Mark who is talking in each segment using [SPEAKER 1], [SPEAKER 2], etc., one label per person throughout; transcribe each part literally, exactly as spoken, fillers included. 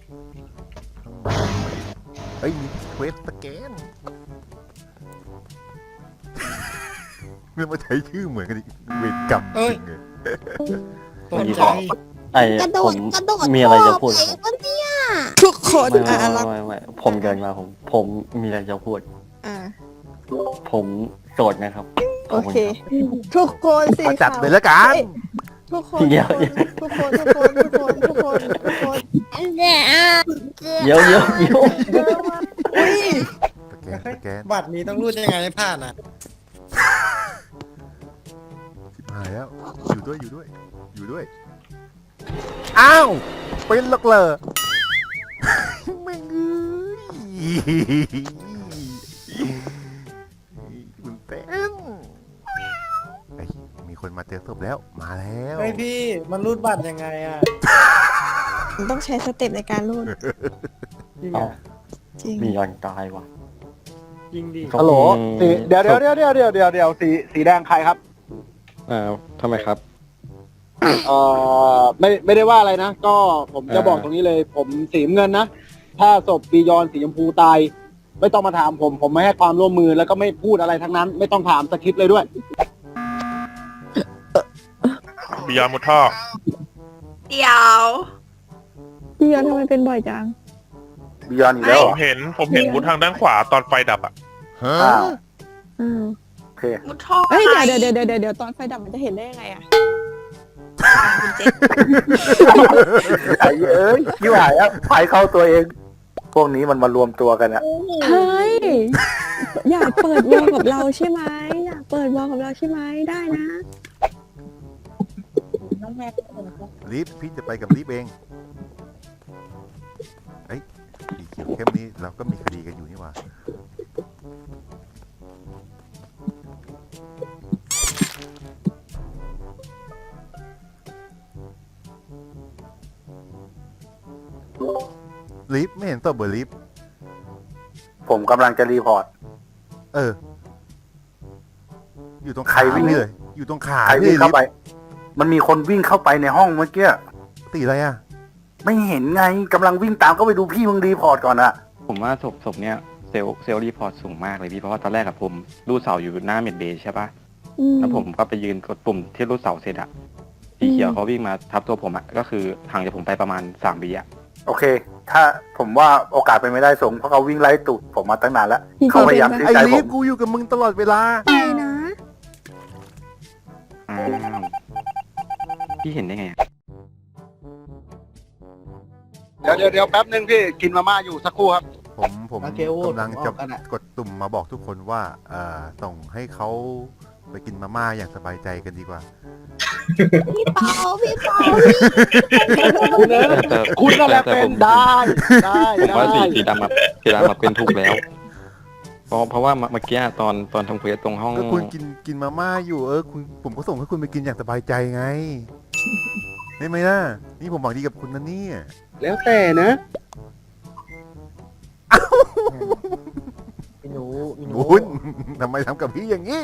[SPEAKER 1] เฮ้ยมีเควสสแกนเมื่อมาใช้ชื่อเหมือนกันอีกเวรกรรมจริงเลย
[SPEAKER 2] ตกใจ
[SPEAKER 3] ไอ้
[SPEAKER 4] กระโด
[SPEAKER 3] ผ
[SPEAKER 4] ด
[SPEAKER 3] ม
[SPEAKER 4] กระโดด
[SPEAKER 3] มีอะไรจะพูด
[SPEAKER 4] ไอ้คนเนี่ย
[SPEAKER 2] ทุกคน
[SPEAKER 3] ไม่
[SPEAKER 2] อ่ะ
[SPEAKER 3] ไม่
[SPEAKER 2] รัก
[SPEAKER 3] ไม่ไม่ผมเดินมาผม ผมมีอะไรจะพูด
[SPEAKER 2] อ่า
[SPEAKER 3] ผมโสดนะครับ
[SPEAKER 2] โอเค ทุกคนสี
[SPEAKER 1] มาจัด
[SPEAKER 2] ขาว
[SPEAKER 1] เลยละกัน
[SPEAKER 2] ทุกคน
[SPEAKER 3] เดี๋ยว
[SPEAKER 2] ทุกคนทุกคนทุกคนทุกคนทุกคน
[SPEAKER 4] เนี่ย
[SPEAKER 3] เดี๋ยวเดี๋ยวเดี๋ยว
[SPEAKER 2] อุ้ย
[SPEAKER 1] สแกนสแกน
[SPEAKER 5] บัตรนี้ต้องรูดยังไงให้ผ่านอ่ะ
[SPEAKER 1] ชิบหายแล้วอยู่ด้วยอยู่ด้วย อยู่ด้วยอ้าวเป็นหลักเหรอแม่งเอ้ยคุณเต้นไอ้ยมีคนมาเจอศพแล้วมาแล้ว
[SPEAKER 5] เฮ้ยพี่มันรูดบัตรยังไงอ่ะ
[SPEAKER 2] ต้องใช้สเต็ปในการรูด
[SPEAKER 5] จริง
[SPEAKER 3] เอ้า
[SPEAKER 5] อ่ะ
[SPEAKER 2] จริง
[SPEAKER 3] มียอนตายว่ะ
[SPEAKER 5] จริงดิ
[SPEAKER 3] เขา
[SPEAKER 6] ฮัลโหล
[SPEAKER 3] มี
[SPEAKER 6] สีเดี๋ยวเดี๋ยวเดี๋ยวเดี๋ยวเดี๋ยวเดี๋ยวเดี๋ยวสีสีแดงใครครับ
[SPEAKER 7] เอ่อทำไมครับ
[SPEAKER 6] เอ่อไม่ไม่ได้ว่าอะไรนะ ก็ผมจะ
[SPEAKER 7] อ่า
[SPEAKER 6] บอกตรงนี้เลย ผมสีน้ำเงินนะ ถ้าศพบียอนสีชมพูตาย ไม่ต้องมาถามผม ผมไม่ให้ความร่วมมือแล้วก็ไม่พูดอะไรทั้งนั้น ไม่ต้องถามสคริปต์เลยด้วย
[SPEAKER 8] บิยอนมุดท่อ
[SPEAKER 4] เดี๋ยว
[SPEAKER 2] พี่ยอนทำไมเป็นบ่อยจัง
[SPEAKER 6] บียอนอีกแล้ว
[SPEAKER 8] ผ
[SPEAKER 6] เหร
[SPEAKER 8] ม
[SPEAKER 6] อ
[SPEAKER 8] เห็นผมเห็นมุดทางด้านขวาตอนไฟดับอ่ะ
[SPEAKER 1] ฮะ
[SPEAKER 6] อ้าว
[SPEAKER 2] อืม
[SPEAKER 6] โอเค
[SPEAKER 4] มุดท่อ
[SPEAKER 2] เอ้ยเดี๋ยวเดี๋ยวเดี๋ยวเดี๋ยวเดี๋ยวตอนไฟดับมันจะเห็นได้ยังไงอะ
[SPEAKER 4] คุณเจ๊
[SPEAKER 6] ไอ้เอ้ยยิ่หายอ่ะไฟเข้าตัวเอง พวกนี้มันมารวมตัวกันอะ
[SPEAKER 2] เฮ้ยอยากเปิดวอลกับเราใช่ไหมอยากเปิดวอลกับเราใช่ไหมได้นะ
[SPEAKER 1] ลิฟพี่จะไปกับลิฟเองเอ้ยสีเขียวเข้มนี้เราก็มีคดีกันอยู่นี่หว่าลิฟไม่เห็นตัวเบอร์ลิฟ
[SPEAKER 6] ผมกำลังจะรีพอร์ต
[SPEAKER 1] เออ อยู่ตรง
[SPEAKER 6] ใคร
[SPEAKER 1] ขา
[SPEAKER 6] วิ่ง
[SPEAKER 1] นี่เลยอยู่ตรงขา
[SPEAKER 6] ใคร
[SPEAKER 1] นี่
[SPEAKER 6] วิ่ง
[SPEAKER 1] ลิ
[SPEAKER 6] เข้า
[SPEAKER 1] ฟ
[SPEAKER 6] ไป มันมีคนวิ่งเข้าไปในห้องเมื่อกี้
[SPEAKER 1] ตีอะไรอ่ะ
[SPEAKER 6] ไม่เห็นไงกำลังวิ่งตามเข้าไปดูพี่มึงรีพอร์ตก่อนอะ
[SPEAKER 7] ผมว่าศพศพเนี้ยเซลล์เซลล์รีพอร์ตสูงมากเลยพี่เพราะว่าตอนแรกกับผมรูดเสาอยู่หน้าเมดเบย์ใช่ปะ
[SPEAKER 2] อืม
[SPEAKER 7] แล้วผมก็ไปยืนกดปุ่มที่รูดเสาเสร็จอะสีเขียวเขาวิ่งมาทับตัวผมอะก็คือห่างจากผมไปประมาณสามวิอะ
[SPEAKER 6] โอเค ถ้าผมว่าโอกาสเป็นไม่ได้สูงเพราะเขาวิ่งไล่ตูดผมมาตั้งนานแล้ว เขาพยายาม
[SPEAKER 2] เป็น
[SPEAKER 6] ที่
[SPEAKER 1] ไอ้
[SPEAKER 6] ใจผ
[SPEAKER 1] ลิฟ
[SPEAKER 6] ม
[SPEAKER 1] กูอยู่กับมึงตลอดเวลา
[SPEAKER 2] ไปนะ
[SPEAKER 7] อ้าวพี่เห็นได้ไงอะ
[SPEAKER 6] เดี๋ยวเดี๋ยวเดี๋ยวแป๊บนึงพี่กินมาม่าอยู่สักครู่ครับ
[SPEAKER 1] ผมผม
[SPEAKER 5] โอเคโอ้
[SPEAKER 1] กำลังจะ
[SPEAKER 5] ผมออกกันอะ
[SPEAKER 1] กดตุ่มมาบอกทุกคนว่าเอ่อส่งให้เขาไปกินมาม่าอย่างสบายใจกันดีกว่า
[SPEAKER 4] พี่เปาพี่เปา
[SPEAKER 6] คุณเนอะ
[SPEAKER 7] แต่
[SPEAKER 6] คุณนั่นแหละ
[SPEAKER 7] แต่
[SPEAKER 6] เป็
[SPEAKER 7] ผ
[SPEAKER 6] น
[SPEAKER 7] ม
[SPEAKER 6] ได้ได้
[SPEAKER 7] ผมว่าสี
[SPEAKER 6] ได้
[SPEAKER 7] สีดำอะสีดำอะเป็นถูกแล้ว เพราะเพราะว่าเมื่อกี้ตอนตอนทำเควสตรงห้อง
[SPEAKER 1] ก็คุณกินกินมาม่าอยู่เออคุณผมก็ส่งให้คุณไปกินอย่างสบายใจไงได้ไหมล่ะนี่ผมหวังดีกับคุณนะเนี่ย
[SPEAKER 6] แล้วแต่นะ
[SPEAKER 5] พี่หนูพี่หนู
[SPEAKER 1] คุณทำไมทำกับพี่อย่างนี้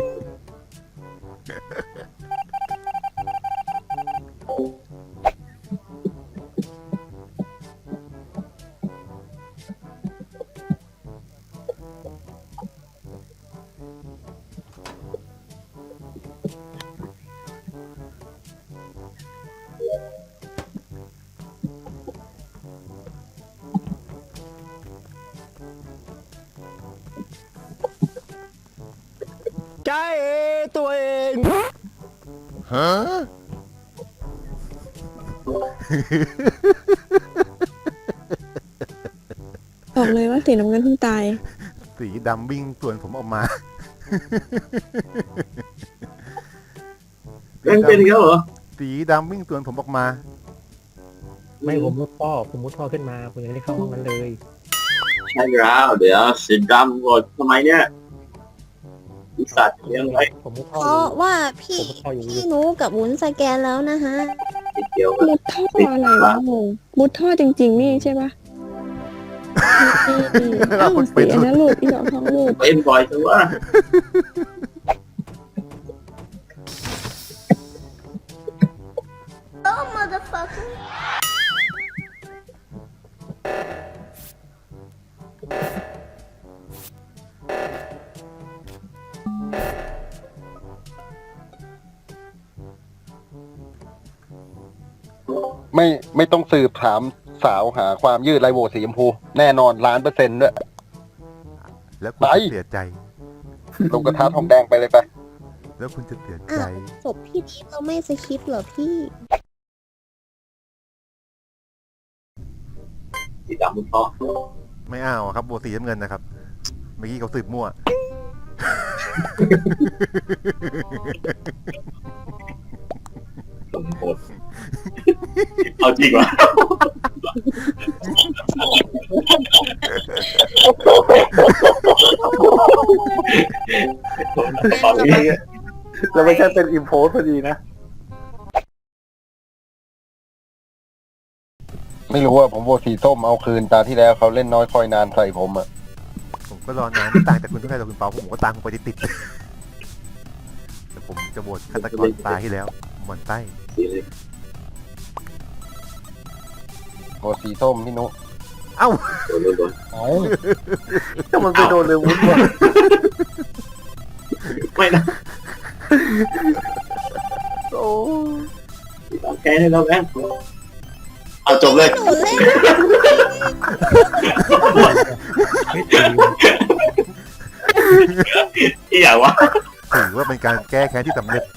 [SPEAKER 5] ใจตัวเอง
[SPEAKER 1] ฮะ
[SPEAKER 2] บอกเลยว่าสีน้ำเงินเพิ่งตาย
[SPEAKER 1] สีดำวิ่งสวนผมออกมา
[SPEAKER 6] ยังเป็นอีกแล้วเหรอ
[SPEAKER 1] สีดำวิ่งสวนผมออกมา
[SPEAKER 5] ไม่ผมมุดท่อผมมุดท่อขึ้นมาผมยังไม่ได้เข้าห้องนั้นเลย
[SPEAKER 9] ใช่แล้วเดี๋ยวสีดำหมดทำไมเนี่ยอีสัตว์เลี้ยงไว้
[SPEAKER 5] ผมมุดท่อ
[SPEAKER 4] เพ
[SPEAKER 5] อยู่
[SPEAKER 4] ราะว่าพี่
[SPEAKER 5] ผมมุดท่ออยู่
[SPEAKER 4] พี่หนูกับวุ้นสแกนแล้วนะฮะ
[SPEAKER 9] ติดเดียวกัน
[SPEAKER 2] มุดท่ออะไรวะงงมุดท่อจริงๆนี่ใช่ปะอ้าวสีอันนั้นหลุดอีดอกทองหลุด
[SPEAKER 9] เป็นบ่อยจังวะ
[SPEAKER 4] Oh motherfucker
[SPEAKER 6] ไม่ไม่ต้องสืบถามสาวหาความยืดไรโหวตสีชมพูแน่นอนล้านเปอร์เซ็นต์ด้วย
[SPEAKER 1] แล้วคุณ
[SPEAKER 6] ไป
[SPEAKER 1] จะเสียใจ
[SPEAKER 6] ลงกระทะทองแดงไปเลยไป
[SPEAKER 1] แล้วคุณจะเสียใจ
[SPEAKER 4] ศพพี่นี้เราไม่สคริปต์เหรอพี่
[SPEAKER 9] สีดำมุดท่อ
[SPEAKER 1] ไม่เอาอะครับโบสีน้ำเงินนะครับ เมื่อกี้เขาสืบมั่ว
[SPEAKER 9] ลงโคตรเอาจริงวะ
[SPEAKER 6] แล้วไม่ใช่เป็นอิมโพสพอดีนะ ไม่รู้ว่าผมโหวตสีส้มเอาคืนตาที่แล้วเขาเล่นน้อยคอยนานใส่ผมอ่ะ
[SPEAKER 1] ผมก็รอนานไม่ต่างจากคุณเท่าไหร่หรอกคุณเปาผมก็ตามคุณไปติดๆแต่ผมจะโหวตฆาตกรตายที่แล้วหมอนใต้
[SPEAKER 9] สีเลย
[SPEAKER 6] โหวตสีส้มพี่นุ
[SPEAKER 1] เอ้า
[SPEAKER 9] โดนโดนโดน
[SPEAKER 6] เอ้าก็มันไปโดนเลยวุ้นวะ
[SPEAKER 9] ไม่นะ
[SPEAKER 6] โอ้
[SPEAKER 9] แกให้เราแม่งเอาจบเลย
[SPEAKER 4] หนูเล่น
[SPEAKER 9] อีอย่างวะ
[SPEAKER 1] ถือว่าเป็นการแก้แค้นที่สำเร็จ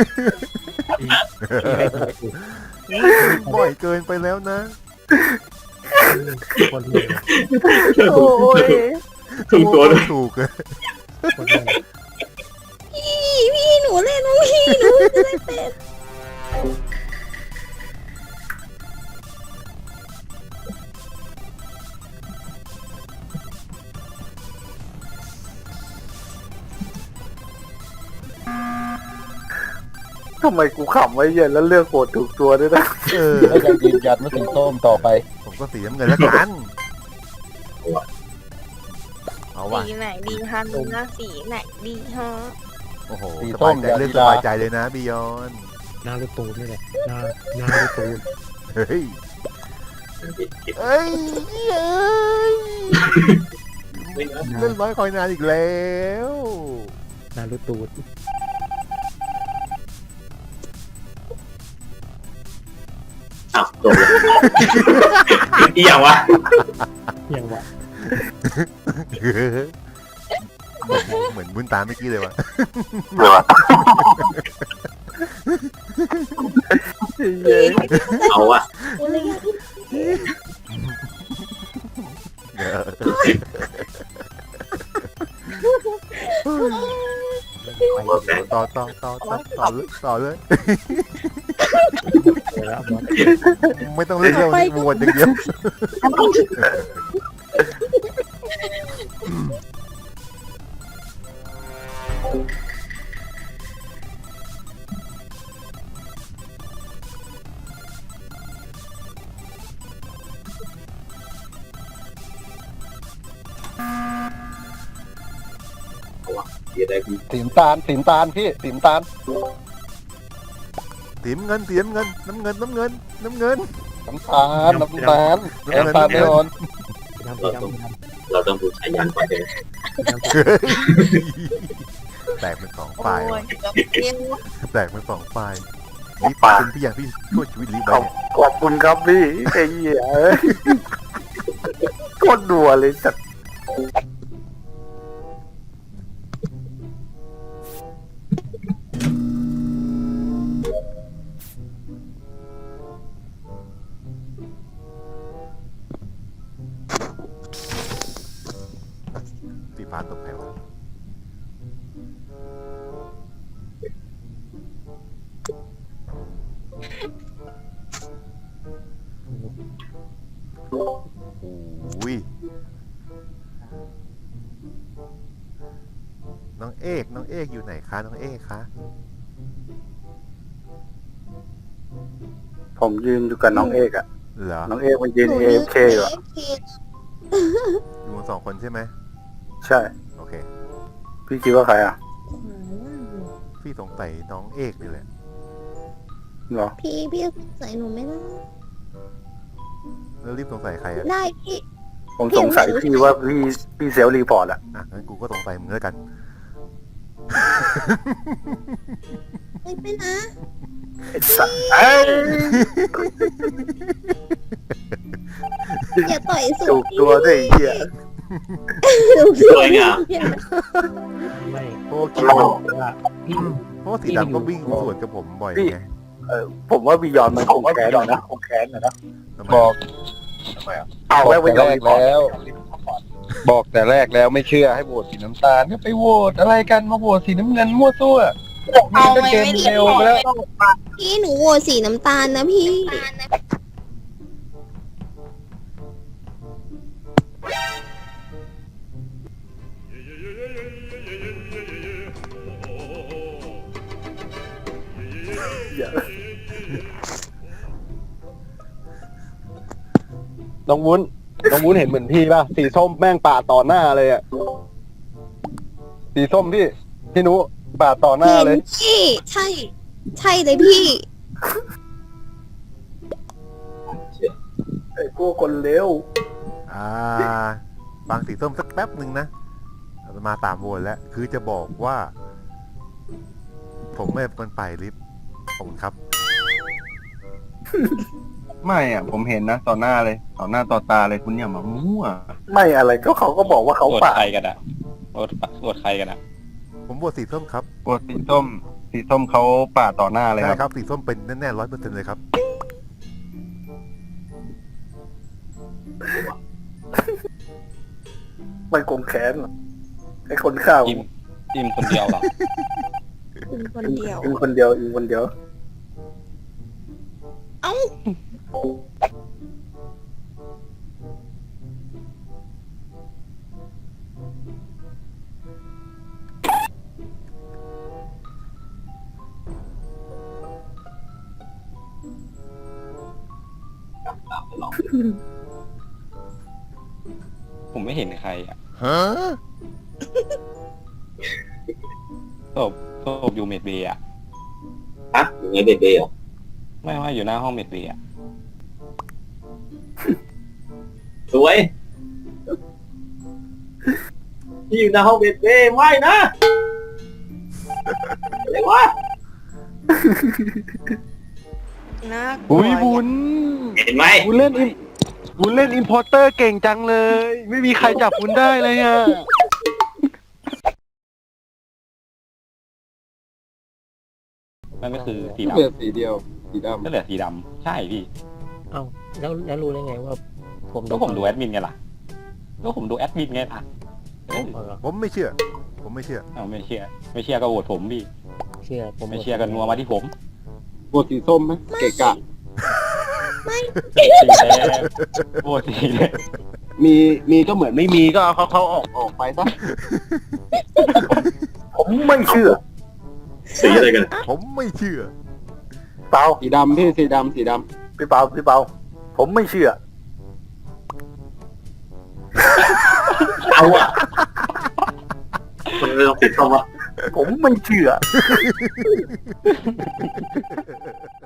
[SPEAKER 1] บ่อยเกินไปแล้วนะ
[SPEAKER 5] คนเดียว
[SPEAKER 4] โอ้ย
[SPEAKER 9] ถูกตัวด้วย
[SPEAKER 1] ถูกเลย
[SPEAKER 5] คนเดียว
[SPEAKER 4] พี่พี่หนูเล่นนะพี่หนูจะได้เป็น
[SPEAKER 6] ทำไมกูขำไว้เย็นแล้วเลือกโหวตถูกตัวด้วยนะ
[SPEAKER 1] เออ
[SPEAKER 6] ก็ยังยืนยันว่าสีส้มต่อไป
[SPEAKER 1] ผมก็สีน้ำเงินแล้วกัน เอาว่ะ
[SPEAKER 4] สีไหนดีคะหนูนะสีไหนดีฮะ
[SPEAKER 1] โอ้โห
[SPEAKER 6] สี
[SPEAKER 1] ส
[SPEAKER 6] ส้
[SPEAKER 1] บาม ยใจ
[SPEAKER 6] อย่า
[SPEAKER 1] เรื่อง
[SPEAKER 6] ลี
[SPEAKER 1] ส
[SPEAKER 6] ลา
[SPEAKER 1] บายใจเลยนะบิยอน
[SPEAKER 5] หน้าลูกตูนนี่แหละหน้าหน้าลูกตูน
[SPEAKER 1] เฮ้ยเอ้ยเอ้ยเล่นร้อยคอยนานอีกแล้ว
[SPEAKER 5] หน้าลูกตูน
[SPEAKER 9] อ้าวจบเลยอีอย่างวะ
[SPEAKER 5] ยังวะ
[SPEAKER 1] เหมือนบุญตาเมื่อกี้เลยวะ
[SPEAKER 9] เอาวะ
[SPEAKER 4] หนูเลยอยาก
[SPEAKER 1] ต่อต่อต่อต่อต่อเลยต่อเลย
[SPEAKER 5] เดี๋ยวแล้วบอส
[SPEAKER 1] ไม่ต้องเล่นเรื่องนี้วนอย่างเดียว
[SPEAKER 9] เสียดายพี่
[SPEAKER 6] สีน้ำตาลสีน้ำตาลพี่สีน้ำตาล
[SPEAKER 1] สีน้ำเงินสีน้ำเงินน้ำเงินน้ำเงินน้ำเงิน
[SPEAKER 6] น้ำตาลน้ำตาลน้ำตาลไม่อ่อน
[SPEAKER 5] สีดำสีดำสีดำ
[SPEAKER 9] เราต้องดูสายยันก่อนเลย
[SPEAKER 5] สีดำ
[SPEAKER 1] แตกเป็นสองฝ่าย
[SPEAKER 4] โอ้
[SPEAKER 1] ว่ะ
[SPEAKER 4] ยจะเปรี้ยว
[SPEAKER 1] แตกเป็นสองฝ่ายนี่ปาเป็นพี่อย่างที่ช่วยชีวิตลิไปเนี่ย
[SPEAKER 6] ขอบคุณครับพี่ไอ้เหี้ยโคตรดัวเลยจัด
[SPEAKER 1] สีฟ้าตกใครวะโอ้ยน้องเอกน้องเอกอยู่ไหนคะน้องเอกคะ
[SPEAKER 6] ผมยืนอยู่กับน้องเอกอะ
[SPEAKER 1] เหรอ
[SPEAKER 6] น้องเอกมันยืน
[SPEAKER 4] หนู
[SPEAKER 6] เอ
[SPEAKER 4] ยื
[SPEAKER 6] ฟ
[SPEAKER 4] น
[SPEAKER 6] เคอยู่อะ
[SPEAKER 4] เอฟเค
[SPEAKER 1] อยู่กันสองคนใช่ไหม
[SPEAKER 6] ใช่
[SPEAKER 1] โอเค
[SPEAKER 6] พี่คิดว่าใครอ่ะ
[SPEAKER 1] พี่สงสัยน้องเอกนี่แหละ
[SPEAKER 6] เหรอ
[SPEAKER 4] พี่พี่ใส่หนูไม่ได้
[SPEAKER 1] แล้วรีบสงสัยใครอ่ะ
[SPEAKER 4] ได้พี่
[SPEAKER 6] ผมสงสัยพี่ว่าพี่พี่เซลล์รีพอร์ตอะ
[SPEAKER 1] อ่ะงั้นกูก็สงสัยมึงแล้วกัน
[SPEAKER 4] ไม่ไปนะ
[SPEAKER 9] ไอ้สัสเอ้ย
[SPEAKER 4] อย่าต่อยสู
[SPEAKER 9] จู
[SPEAKER 4] ง
[SPEAKER 9] บตัวด้วยไอ้เหี้ย สวยงาม
[SPEAKER 5] ไม่
[SPEAKER 1] เพราะว่า
[SPEAKER 5] คิดว่าพี่
[SPEAKER 1] เพราะว่าสีดำก็วิ่งสวนกับผมบ่อยไง
[SPEAKER 9] ผมว่าบียอนมันคงแค้นนะคงแค้นนะ
[SPEAKER 1] ทำไม
[SPEAKER 10] บอก
[SPEAKER 9] เอา
[SPEAKER 10] บ
[SPEAKER 9] ไว้
[SPEAKER 10] อก
[SPEAKER 9] ไว้
[SPEAKER 10] แต่
[SPEAKER 9] ยอน
[SPEAKER 10] แร
[SPEAKER 9] รี
[SPEAKER 10] ก
[SPEAKER 9] พอร์ต
[SPEAKER 10] แล้ว บอกแต่แรกแล้วไม่เชื่อให้โหวตสีน้ำตาลก็ไปโหวตอะไรกันมาโหวตสีน้ำเงินมั่วซั่ว
[SPEAKER 4] เอา
[SPEAKER 10] ก็
[SPEAKER 4] ไว้
[SPEAKER 10] เกม
[SPEAKER 4] ไม่
[SPEAKER 10] เร็วไปแล้ว
[SPEAKER 4] พี่หนูโหวตสีน้ำตาลนะพี่
[SPEAKER 6] น้องวุ้นน้องวุ้นเห็นเหมือนพี่ป่ะสีส้มแม่งปาดต่อหน้าเลยอะสีส้มพี่พี่นุปาดต่อหน้า
[SPEAKER 4] เห็น
[SPEAKER 6] เลย
[SPEAKER 4] พี่ใช่ ใช่เลยพี่
[SPEAKER 9] ไอ้พวกคนเร็ว
[SPEAKER 1] อ่าฟังสีส้มสักแป๊บหนึ่งนะมาตามโหวตแล้ว คือจะบอกว่า ผมไม่เป็นคนไปลิฟต์ขอบคุณครับ
[SPEAKER 10] ไม่อ่ะผมเห็นนะต่อหน้าเลยต่อหน้าต่อตาเลยคุณอย่ามามั่ว
[SPEAKER 9] ไม่อะไรก็เขาก็บอกว่าเขา
[SPEAKER 7] โหวต
[SPEAKER 9] ปาด
[SPEAKER 7] ใครกันอะโหวตโหวตใครกันอะ
[SPEAKER 1] ผมโหวตสีส้มครับ
[SPEAKER 10] โหวตสีส้ม สีส้มเขาปาดต่อหน้าเลยค
[SPEAKER 1] ใช่
[SPEAKER 10] รับ
[SPEAKER 1] ครับสีส้มเป็นแน่ๆร้อยเปอร์เซ็นต์เลยครับ
[SPEAKER 9] มันคงแค้นไอ้คนข้าว
[SPEAKER 7] อิมอิมคนเดียวเหรอ
[SPEAKER 4] คุณคนเดียว
[SPEAKER 9] อิงคนเดียวอิงคนเดียว
[SPEAKER 4] เอ้า
[SPEAKER 7] ผมไม่เห็นใครอะ
[SPEAKER 1] ฮะ
[SPEAKER 7] ศพศพอยู่เมดเบย์อะ
[SPEAKER 9] ฮะอย่างไงเด็กๆเหรอ
[SPEAKER 7] ไม่ว่าอยู่หน้าห้องเมดเบย์อะ
[SPEAKER 9] สวยพี่อยู่ในห้องเบดเบ้ไม่นะอะไรวะ
[SPEAKER 4] น่า
[SPEAKER 10] อุ้ยบุญ
[SPEAKER 9] เห็นไหม
[SPEAKER 10] บุญเล่นอิมบุญเล่นอิมพอร์เตอร์เก่งจังเลย ไม่มีใครจับบุญได้เลยอ่ะ
[SPEAKER 7] นั่นก็คือสี
[SPEAKER 10] เหลือ
[SPEAKER 7] ดำ
[SPEAKER 10] สีเดียวสีด
[SPEAKER 7] ก็เหลือสีดำใช่พี่
[SPEAKER 5] เอ้าแล้วแล้วรู้ได้ไงว่า ผม
[SPEAKER 7] ก็ผมดูแอดมินไงล่ะก็ผมดูแอดมินไงล่ะเออ
[SPEAKER 5] เอาเหรอ
[SPEAKER 1] ผมไม่เชื่อ ผมไม่เชื่อ
[SPEAKER 7] เอาไม่เชื่อ ไม่เชื่อก็โหวตผมพี่
[SPEAKER 5] เชื่อผม
[SPEAKER 7] ไม่เชื่อกันนัวมาที่ผม
[SPEAKER 6] โหวตสีส้มไหมเกะกะ
[SPEAKER 7] สีแดงโหวตสีแดง
[SPEAKER 6] มีมีก็เหมือนไม่มีก็เอาเขาเขาออกออกไปซะ
[SPEAKER 9] ผมไม่เชื่อสีอะไรกัน
[SPEAKER 1] ผมไม่เชื่อ
[SPEAKER 9] เปล่า
[SPEAKER 6] สีดำพี่สีดำสีด
[SPEAKER 9] พี่เปาพี่เปาผมไม่เชื่อเอาอะคุณไม่ต้องปิดคำว่าผมไม่เชื่อ